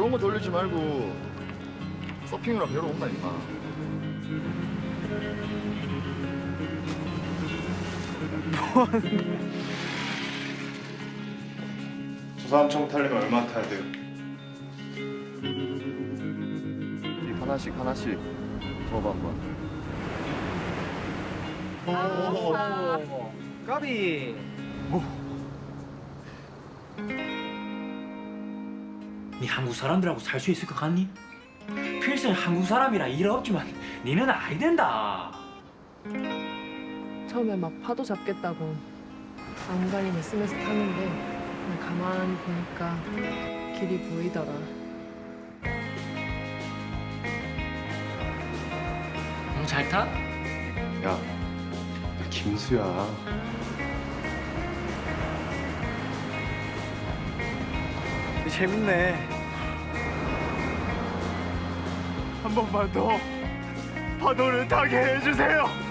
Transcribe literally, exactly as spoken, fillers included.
그런 거 돌리지 말고 서핑이나 배우러 온다니까. 조사함청 타려면 얼마 타야 돼요? 이 하나씩 하나씩 줘봐 한번. 까비. 니 한국 사람들하고 살 수 있을 것 같니? 필승 한국 사람이라 일 없지만 니는 아이 된다. 처음에 막 파도 잡겠다고 안간힘 에스엠에스 타는데 그냥 가만히 보니까 길이 보이더라. 응, 잘 타? 야, 나 김수야. 재밌네. 한 번만 더 파도를 타게 해주세요.